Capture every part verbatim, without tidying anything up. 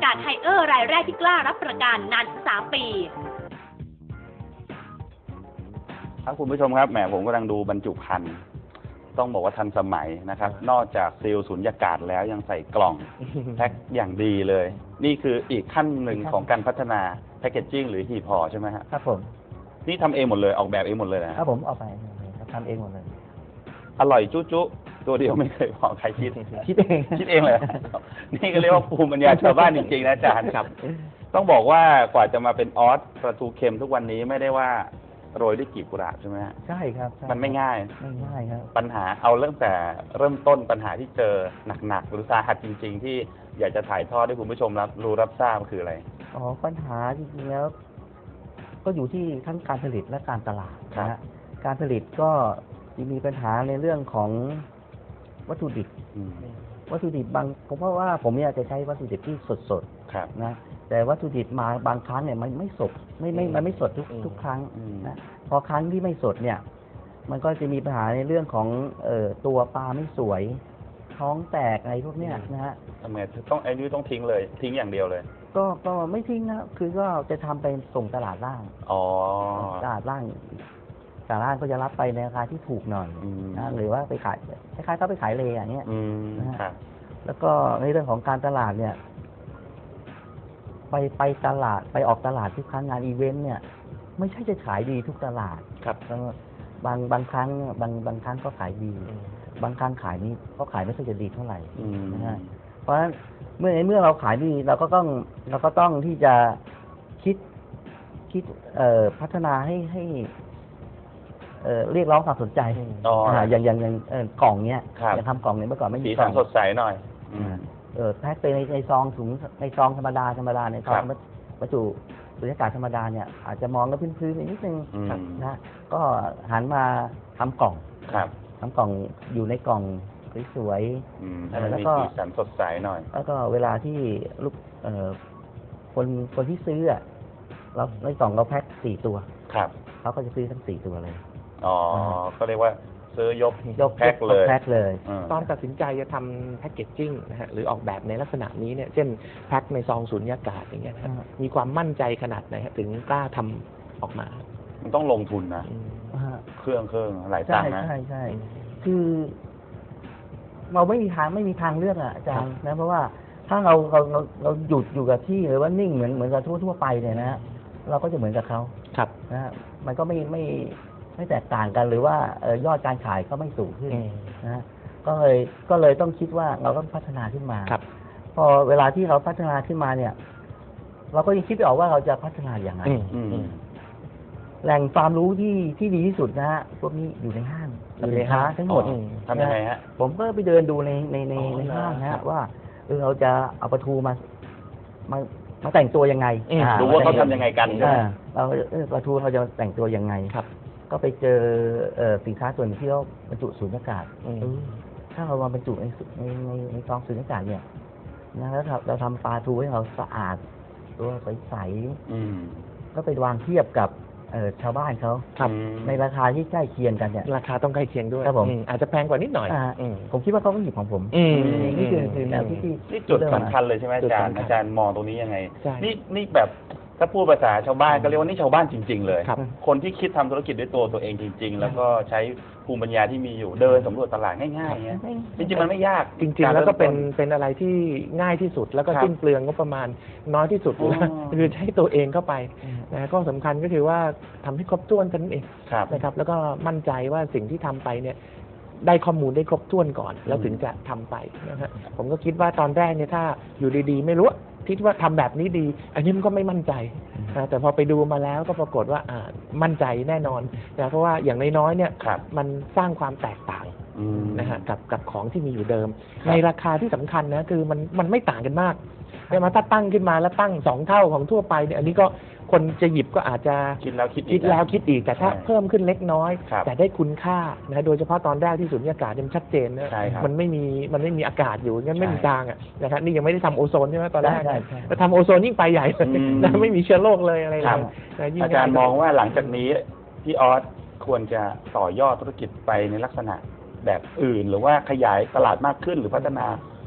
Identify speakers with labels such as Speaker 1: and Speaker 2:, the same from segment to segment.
Speaker 1: าศไฮเออร์รายแรกที่กล้ารับประกันนานถึงสามปี
Speaker 2: ครับคุณผู้ชมครับแหมผมกำลังดูบรรจุภัณฑ์ต้องบอกว่าทันสมัยนะครับนอกจากซีลสุญญากาศแล้วยังใส่กล่องแพ็คอย่างดีเลยนี่คืออีกขั้นหนึ่งของการพัฒนาแพคเกจจิ้งหรือหีบห่อใช่ไหมครับ
Speaker 3: ครับผม
Speaker 2: นี่ทำเองหมดเลยออกแบบเองหมดเลยนะครับ
Speaker 3: ผมออกไปทำเองหมดเลย
Speaker 2: อร่อยจุ๊จุ๊ตัวเดียวไม่เคยพอใครคิด
Speaker 3: คิดเอง
Speaker 2: คิดเองเลยนี่ก็เรียกว่าภูมิปัญญาชาวบ้านจริงๆนะอาจารย์ครับต้องบอกว่ากว่าจะมาเป็นออสปลาทูเค็มทุกวันนี้ไม่ได้ว่าโรยด้วยกลีบกุหลาบใช่ไหมฮะ
Speaker 3: ใช่ครับ
Speaker 2: มันไม่ง่าย
Speaker 3: ไม่ง่ายครับ
Speaker 2: ปัญหาเอาเริ่มแต่เริ่มต้นปัญหาที่เจอหนักๆหรือสาหัสจริงๆที่อยากจะถ่ายทอดให้คุณผู้ชมรับรู้รับทราบคืออะไร
Speaker 3: อ๋อปัญหาจริงๆแล้วก็อยู่ที่ทั้งการผลิตและการตลาดนะฮะการผลิตก็มีปัญหาในเรื่องของวัตถุดิบวัตถุดิบบางผมเพราะว่าผมเนี่ยจะใช้วัตถุดิบที่สดๆนะแต่วัตถุดิบมาบางครั้งเนี่ยมันไม่สดไม่ไม่มันไม่สดทุกทุกครั้งนะพอครั้งที่ไม่สดเนี่ยมันก็จะมีปัญหาในเรื่องของเอ่อตัวปลาไม่สวยท้องแตกอะไรพวกเนี้ยนะฮะ
Speaker 2: ทำไมต้องไอ้นี่ต้องทิ้งเลยทิ้งอย่างเดียวเลย
Speaker 3: ก็ก็ไม่ทิ้งนะคือก็จะทำไปส่งตลาดล่าง
Speaker 2: อ๋อ
Speaker 3: ตลาดล่างตลาดล่างก็จะรับไปในราคาที่ถูกหน่อยนะหรือว่าไปขายคล้ายๆเขาไปขายเลอย่างเงี้ยนะฮะแล้วก็ในเรื่องของการตลาดเนี่ยไปไปตลาดไปออกตลาดทุกครั้งงานอีเวนต์เนี่ยไม่ใช่จะขายดีทุกตลาด
Speaker 2: ครับ
Speaker 3: บางบางครั้งบางบางครั้งก็ขายดีบางครั้งขายนี้ก็ขายไม่ค่อยจะดีเท่าไหร่นะฮะเพราะฉะนั้นเมื่อในเมื่อเราขายดีเราก็ต้องเราก็ต้องที่จะคิดคิดเอ่อพัฒนาให้ให้เอ่อเรียกร้องความสนใจอย่างอย่างอย่างกล่องเนี้ยอย่างทำกล่องเนี้ยเมื่อก่อนไม่มี
Speaker 2: กล่องสดใสหน่อย
Speaker 3: เออแพ็คไปในในซองถุงในซองธรรมดาธรรมดาในซองบรรจุสุญญากาศธรรมดาเนี่ยอาจจะมองแล้วพื้นๆนิดนึงนะก็หันมาทำกล่องทำกล่องอยู่ในกล่องสวย
Speaker 2: ๆแล้วก็สีสันสดใสหน่อย
Speaker 3: แล้วก็เวลาที่ลูกเอ่อคนคนที่ซื้ออ่ะเราในกล่องเราแพ็คสี่ตัว
Speaker 2: ครับ
Speaker 3: เขาก็จะซื้อทั้งสี่ตัวเลย
Speaker 2: อ๋อก็เรียกว่าซื้อยกยกแพ็คเลย
Speaker 3: แพ็คเลย
Speaker 4: ตอนตัดสินใจจะทำแพ็คเกจจิ้งนะฮะหรือออกแบบในลักษณะนี้เนี่ยเช่นแพ็คในซองสุญญากาศอย่างเงี้ยมีความมั่นใจขนาดไหนถึงกล้าทำออกมา
Speaker 2: มันต้องลงทุนนะเครื่องเครื่องหลายตังค์นะ
Speaker 3: ใช่ใช่คือเราไม่มีทางไม่มีทางเลือกอ่ะอาจารย์นะเพราะว่าถ้าเราเราเราเราหยุดอยู่กับที่หรือว่านิ่งเหมือนเหมือนกับทั่วทั่วไปเนี่ยนะเราก็จะเหมือนกับเขา
Speaker 4: ครับ
Speaker 3: นะมันก็ไม่ไม่ไม่แตกต่างกันหรือว่าเออยอดการขายก็ไม่สูงขึ้นนะก็เลยก็เลยต้องคิดว่าเราต้องพัฒนาขึ้นมาพอเวลาที่เราพัฒนาขึ้นมาเนี่ยเราก็ยังคิดไม่ออกว่าเราจะพัฒนาอย่างไรแหล่งความรู้ที่ที่ดีที่สุดนะฮะพวกนี้อยู่ในห้างสินค้าทั้งหมด
Speaker 2: ทำยังไงฮะ
Speaker 3: ผมก็ไปเดินดูในในในในห้างนะฮะว่าเออเราจะเอาปลาทูมามามาแต่งตัวยังไง
Speaker 2: ดูว่าเขาทำยังไงกัน
Speaker 3: เราเออปลาทูเราจะแต่งตัวยังไง
Speaker 4: ครับ
Speaker 3: ก็ไปเจอสินค้าส่วนที่เขาบรรจุสุญญากาศถ้าเรามาบรรจุในในในในซองสุญญากาศเนี่ยนะแล้วเราทำปลาทูให้เราสะอาดตัวใสๆก็ไปวางเทียบกับชาวบ้านเขาในราคาที่ใกล้เคียงกันเนี่ย
Speaker 4: ราคาต้องใกล้เคียงด้วย
Speaker 3: ครับผม
Speaker 4: อาจจะแพงกว่านิดหน่อย
Speaker 3: ผมคิดว่าเขาก็หยิบของผมนี่คือคือแนวที่
Speaker 2: นี่จุดสำคัญเลยใช่ไหมอาจารย์อาจารย์มองตรงนี้ยังไงนี่นี่แบบถ้าพูดภาษาชาวบ้านก็เรียกว่านี่ชาวบ้านจริงๆเลยคนที่คิดทำธุรกิจด้วยตัวตัวเองจริงๆแล้วก็ใช้ภูมิปัญญาที่มีอยู่เดินสำรวจตลาดง่ายๆเงี้ยจริงๆมันไม่ยาก
Speaker 4: จริงๆแล้วก็เป็นเป็นอะไรที่ง่ายที่สุดแล้วก็สิ้นเปลืองงบประมาณน้อยที่สุดคือใช้ตัวเองเข้าไปนะก็สำคัญก็คือว่าทำให้ครบถ้วนกันเองนะครับแล้วก็มั่นใจว่าสิ่งที่ทำไปเนี่ยได้ข้อมูลได้ครบถ้วนก่อนแล้วถึงจะทำไปนะฮะผมก็คิดว่าตอนแรกเนี่ยถ้าอยู่ดีๆไม่รู้คิดว่าทำแบบนี้ดีอันนี้มันก็ไม่มั่นใจแต่พอไปดูมาแล้วก็ปรากฏว่าอ่ามั่นใจแน่นอนนะเพราะว่าอย่างน้อยๆเนี่ยมันสร้างความแตกต่างนะฮะกับกับของที่มีอยู่เดิมในราคาที่สำคัญนะคือมันมันไม่ต่างกันมากแต่มาถ้าตั้งขึ้นมาแล้วตั้งสองเท่าของทั่วไปเนี่ยอันนี้ก็คนจะหยิบก็อาจจะ
Speaker 2: คิดแล้วคิดอีก
Speaker 4: คิดแล้วคิดอีกแต่ถ้าเพิ่มขึ้นเล็กน้อยแต่ได้คุณค่านะโดยเฉพาะตอนแรกที่สุญญากาศมันชัดเจนนะมันไม่มีมันไม่มีอากาศอยู่งั้นไม่มีจางอ่ะนะครับนี่ยังไม่ได้ทำโอโซนใช่ไหมตอนแรกแต่ทำโอโซนยิ่งไปใหญ่นะไม่มีเชื้อโรคเลยอะไรเลย
Speaker 2: อาจารย์มองว่าหลังจากนี้พี่ออสควรจะต่อยอดธุรกิจไปในลักษณะแบบอื่นหรือว่าขยายตลาดมากขึ้นหรือพัฒนา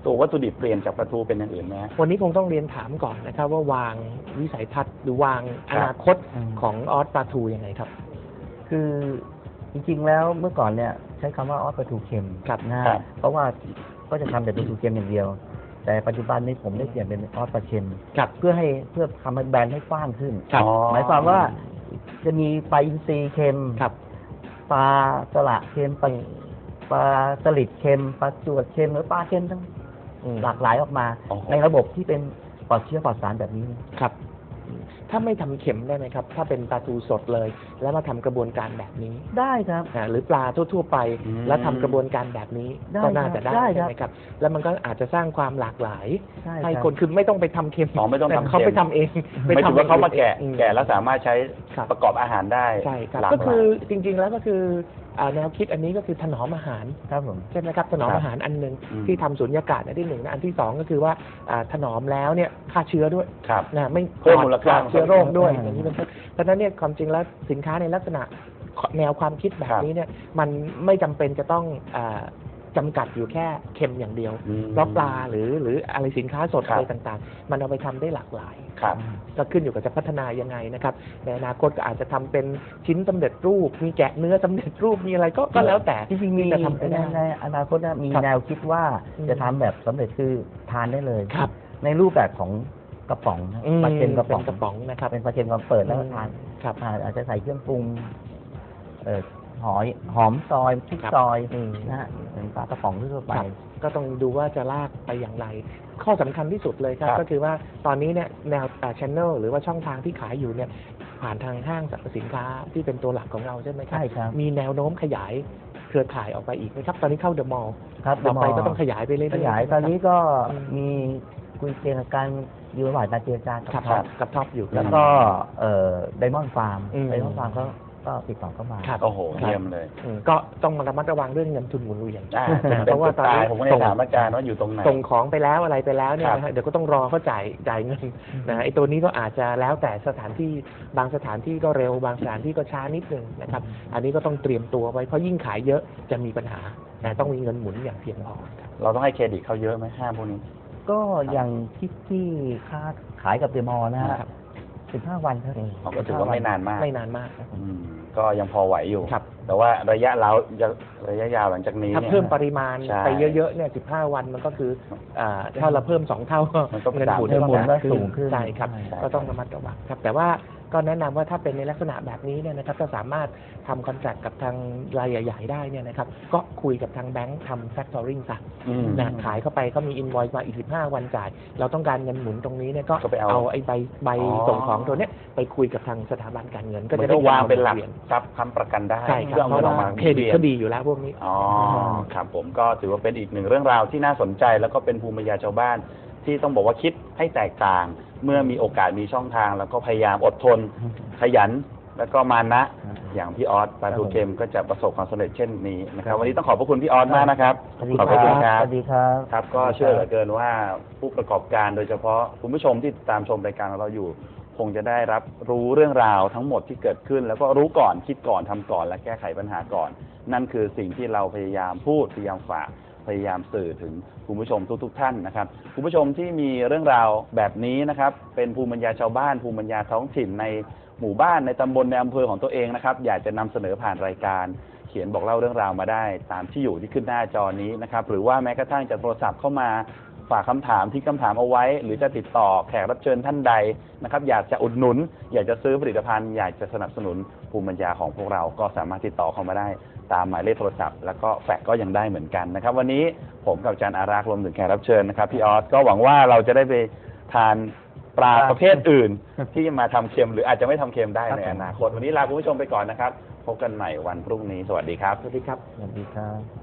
Speaker 2: ตัววัตถุดิบเปลี่ยนจากปลาทูเป็นอย่างอื่นไหมฮะ
Speaker 4: วันนี้คงต้องเรียนถามก่อนนะครับว่าวางวิสัยทัศน์หรือวางอนาคต
Speaker 3: อืม
Speaker 4: ของออสปลาทูยังไงครับ
Speaker 3: คือจริงๆแล้วเมื่อก่อนเนี่ยใช้คำว่าออสปลาทูเค็ม
Speaker 4: ครับ
Speaker 3: นะ
Speaker 2: ครั
Speaker 3: ฮะ
Speaker 2: บ
Speaker 3: เพราะว่าก็จะทำแต่ปลาทูเค็มอย่างเดียว แต่ปัจจุบันนี้ผมได้เปลี่ยนเป็นออสปลาเค็ม
Speaker 4: ครับ
Speaker 3: เพื่อให้เพื่อทำให้แบรนด์ให้กว้างขึ้น
Speaker 4: ครับ
Speaker 2: อ๋อ
Speaker 3: หมายความว่าจะมีปลาอินทรีเค็ม
Speaker 4: ครับ
Speaker 3: ปลาสละเค็มปลาปลาสลิดเค็มปลาจวดเค็มหรือปลาเค็มทั้ง
Speaker 4: อืม
Speaker 3: หลากหลายออกมา
Speaker 2: โอ้โห
Speaker 3: ในระบบที่เป็นปลอดเชื้อปลอดสารแบบนี้
Speaker 4: ครับอืมถ้าไม่ทำเข็มได้ไหมครับ ถ้าเป็นปลาทูสดเลย แล้วมาทำกระบวนการแบบนี้
Speaker 3: ได้ครับ
Speaker 4: นะหรือปลาทั่วๆไป
Speaker 2: อืม
Speaker 4: แล้วทำกระบวนการแบบนี้
Speaker 3: ได้
Speaker 4: ก็น่าจะได้
Speaker 3: ได้
Speaker 4: ใช่
Speaker 3: ครับ
Speaker 4: ไหมครับ แล้วมันก็อาจจะสร้างความหลากหลาย
Speaker 3: ใช่
Speaker 4: ให้
Speaker 3: รับ
Speaker 4: คนคือไม่ต้องไปทำเค็ม
Speaker 2: อ๋อไม่ต้องทำ
Speaker 4: แต่เขา
Speaker 2: เค็ม
Speaker 4: ไปทำเอง
Speaker 2: ไม่ถือว่าเขามาแกะ
Speaker 4: อืม
Speaker 2: แกะแล้วสามารถใช้
Speaker 4: ครับ
Speaker 2: ประกอบอาหารได้
Speaker 4: ใช่ครับ
Speaker 2: หลาก
Speaker 4: ก็
Speaker 2: ห
Speaker 4: คื
Speaker 2: ลา
Speaker 4: อย จริงๆแล้วก็คืออ่าแนวคิดอันนี้ก็คือถนอมอาหาร
Speaker 3: ครับผม
Speaker 4: ใช่ไหมครับถนอม
Speaker 2: ครับ
Speaker 4: อาหารอันหนึ่ง
Speaker 2: อืม
Speaker 4: ที่ทำสุญญากาศอันที่หนึ่งนะอันที่สองก็คือว่าอ่าถนอมแล้วเนี่ยฆ่าเชื้อด้วย
Speaker 2: ครับ
Speaker 4: นะไม่
Speaker 2: เพิ่มมูลค่า
Speaker 4: ปอดเชื้อโรคด้วย
Speaker 3: อืม
Speaker 4: อย่างนี้เป็นต้นเพราะฉะนั้นเนี่ยความจริงแล้วสินค้าในลักษณะแนวความคิดแบบนี้เนี่ยมันไม่จำเป็นจะต้องอ่าจำกัดอยู่แค่เค็มอย่างเดียว
Speaker 2: อืม
Speaker 4: เพราะปลาหรือหรืออะไรสินค้าสด
Speaker 2: ครับ
Speaker 4: อะไรต่างๆ มันเอาไปทำได้หลากหลาย
Speaker 2: ครับ
Speaker 4: ก็ขึ้นอยู่กับจะพัฒนายังไงนะครับในอนาคตก็อาจจะทำเป็นชิ้นสำเร็จรูป มีแกะเนื้อสำเร็จรูปมีอะไรก็ก็แล้วแต่
Speaker 3: จริงๆมี
Speaker 4: ที่จะทำไป
Speaker 3: ใน
Speaker 4: ได้
Speaker 3: ในอนาคตนะมี
Speaker 4: ครับ
Speaker 3: แนวคิดว่า
Speaker 4: อืม
Speaker 3: จะทำแบบสำเร็จคือทานได้เลย
Speaker 4: ครับ
Speaker 3: ในรูปแบบของกระป๋องนะ
Speaker 4: อืม
Speaker 3: ปลาเค็มกระป๋อง
Speaker 4: เป็นกระป๋องนะครับ
Speaker 3: เป็นปลาเค็มกระป๋องเปิดแล้วก็ทาน
Speaker 4: ครับ
Speaker 3: อ่าอาจจะใส่เครื่องปรุงเอ่อหอยหอมซอยพริก
Speaker 4: ครับ
Speaker 3: ซอย
Speaker 4: อืม
Speaker 3: นะฮะเป็นปลากระป๋องทั่วไป
Speaker 4: ครับก็ต้องดูว่าจะลากไปอย่างไร ข้อสำคัญที่สุดเลยครับ
Speaker 2: ครับ
Speaker 4: ก็คือว่าตอนนี้เนี่ยแนวช่องหรือว่าช่องทางที่ขายอยู่เนี่ยผ่านทางห้างสรรพสินค้าที่เป็นตัวหลักของเราใช่ไหมครับ
Speaker 3: ใช่ครับ
Speaker 4: มีแนวโน้มขยายเครือข่ายออกไปอีกไหมครับ ตอนนี้เข้าเดอะมอลล์
Speaker 3: ครับ
Speaker 4: ต่อไป
Speaker 3: เดอะมอลล์
Speaker 4: ก็ต้องขยายไปเรื่อยๆ
Speaker 3: ขยาย
Speaker 4: ใช่ไหม
Speaker 3: ตอนนี้
Speaker 4: ครับ
Speaker 3: ก็
Speaker 4: อืม
Speaker 3: มีคุยเจรการอยู่ระหว่างการเจรจา
Speaker 4: ครั
Speaker 3: กับบ ท็อป
Speaker 4: กับท็อปอยู่
Speaker 3: แล้วก็เอ่อไดมอนด์ฟาร์ม
Speaker 4: อืม
Speaker 3: ไดมอนด์ฟาร์มก็ก็ติดต่อเข้ามา
Speaker 4: ครับ
Speaker 2: โอ้โหเยี่ยมเลย
Speaker 4: อืมก็ต้องมาระมัดระวังเรื่องเงินทุนหมุนเวียน
Speaker 2: อ่า
Speaker 4: นะ
Speaker 2: เป็น
Speaker 4: เพราะว่า
Speaker 2: จุด
Speaker 4: ตอน
Speaker 2: ตาย
Speaker 4: นี้
Speaker 2: ผมก็เลยถามอาจารย์ว่าอยู่ตรงไหน
Speaker 4: ส่งของไปแล้วอะไรไปแล้วเนี่ย
Speaker 2: ครับ
Speaker 4: นะฮะเดี๋ยวก็ต้องรอเขาจ่ายจ่ายเงินนะฮะไอ้ตัวนี้ก็อาจจะแล้วแต่สถานที่บางสถานที่ก็เร็วบางสถานที่ก็ช้านิดนึงนะครับ อันนี้ก็ต้องเตรียมตัวไว้เพราะยิ่งขายเยอะจะมีปัญหานะต้องมีเงินหมุนอย่างเพียงพอครับ
Speaker 2: เราต้องให้เครดิตเขาเยอะไหมห้างพวกนี้
Speaker 3: ก็อย่างที่ที่ค้าขายกับเดอะมอลล์นะฮะ
Speaker 4: ครับ
Speaker 3: สิบห้าวันครับ
Speaker 2: เขาก็ถือว่าไม่นานมาก
Speaker 4: ไม่นานมาก
Speaker 2: อืมก็ยังพอไหวอยู่
Speaker 4: ครับ
Speaker 2: แต่ว่าระยะเราระยะยาวหลังจากนี้
Speaker 4: ถ้า
Speaker 2: เนี่ย
Speaker 4: เพิ่มปริมาณ
Speaker 2: ใช่
Speaker 4: ไปเยอะๆเนี่ยสิบห้าวันมันก็คืออ่าถ้าเราเพิ่มสองเท่าก็
Speaker 2: มันก็
Speaker 4: เงินหมุน
Speaker 3: เงินหมุนก็
Speaker 4: ขึ้
Speaker 3: สูงขึ้น
Speaker 4: ใช่ครับ
Speaker 3: ใช่
Speaker 4: ก็ต้องระมัดระวังครับ แต่ว่าก็แนะนำว่าถ้าเป็นในลักษณะแบบนี้เนี่ยนะครับถ้าสามารถทำคอนแทคกับทางรายใหญ่ๆได้เนี่ยนะครับก็คุยกับทางแบงค์ทำแฟคทอริงซะ
Speaker 2: อืม
Speaker 4: นะขายเข้าไปก็มีอิน o อยซ์มาอีกสิบห้าวันจ่าย เราต้องการเงินหมุนตรงนี้เนี่ยก็
Speaker 2: ก็ไปเอา
Speaker 4: เอาไอ้ใบใบ
Speaker 2: อ๋อ
Speaker 4: ส่งของตัวเนี้ยไปคุยกับทางสถาบันการเงิน ก็
Speaker 2: มัน
Speaker 4: จะ
Speaker 2: ก็
Speaker 4: ได้
Speaker 2: วางเป็นหลัก
Speaker 4: วียน
Speaker 2: ทรัพย์ค้ำประกันได้
Speaker 4: ใช่ครับ
Speaker 2: เพื่อเอา
Speaker 4: เพ
Speaker 2: เงิน
Speaker 4: ราะ
Speaker 2: ออก
Speaker 4: ว่า
Speaker 2: มา
Speaker 4: เครดิต
Speaker 2: วียน
Speaker 4: ก็ดีอยู่แล้วพวกนี้
Speaker 2: อ๋อครับผมก็ถือว่าเป็นอีกหนึ่งเรื่องราวที่น่าสนใจแล้วก็เป็นภูมิปัญญาชาวบ้าน ที่ต้องบอกว่าคิดให้แตกต่าง เมื่อมีโอกาสมีช่องทาง แล้วก็พยายามอดทน ขยัน แล้วก็มานะ อย่างพี่ออสปลาทูเค็มก็จะประสบความสำเร็จเช่นนี้นะครับวันนี้ต้องขอบพระคุณพี่ออสมากนะครับ
Speaker 3: สวัสดี
Speaker 2: ขอบ
Speaker 3: ค
Speaker 2: พระคุณ
Speaker 3: รับ
Speaker 2: ครับ
Speaker 3: สวัสดีครับ
Speaker 2: ครับก็เชื่อเหลือเกินว่าผู้ประกอบการโดยเฉพาะคุณผู้ชมที่ติดตามชมรายการของเราอยู่ คงจะได้รับรู้เรื่องราวทั้งหมดที่เกิดขึ้น แล้วก็รู้ก่อนคิดก่อนทำก่อนและแก้ไขปัญหาก่อน นั่นคือสิ่งที่เราพยายามพูดพยายามฝากพยายามสื่อถึงคุณผู้ชมทุกๆท่านนะครับคุณผู้ชมที่มีเรื่องราวแบบนี้นะครับเป็นภูมิปัญญาชาวบ้านภูมิปัญญาท้องถิ่นในหมู่บ้านในตำบลในอำเภอของตัวเองนะครับอยากจะนำเสนอผ่านรายการเขียนบอกเล่าเรื่องราวมาได้ตามที่อยู่ที่ขึ้นหน้าจอนี้นะครับหรือว่าแม้กระทั่งจะโทรศัพท์เข้ามาฝากคำถามที่คำถามเอาไว้ หรือจะติดต่อแขกรับเชิญท่านใดนะครับอยากจะอุดหนุน อยากจะซื้อผลิตภัณฑ์อยากจะสนับสนุนภูมิปัญญาของพวกเราก็สามารถติดต่อเข้ามาได้ตามหมายเลขโทรศัพท์แล้วก็แฟกซ์ก็ยังได้เหมือนกันนะครับวันนี้ผมกับอาจารย์อารักษ์รวมถึงแขกรับเชิญนะครับพี่ออสก็หวังว่าเราจะได้ไปทานปลาประเภทอื่น ที่มาทำเค็มหรืออาจจะไม่ทำเค็มได้ในอนาคตวันนี้ลาคุณผู้ชมไปก่อนนะครับพบกันใหม่วันพรุ่งนี้สวัสดีครับ
Speaker 4: สวัสดีครับ
Speaker 3: สวัสดีครับ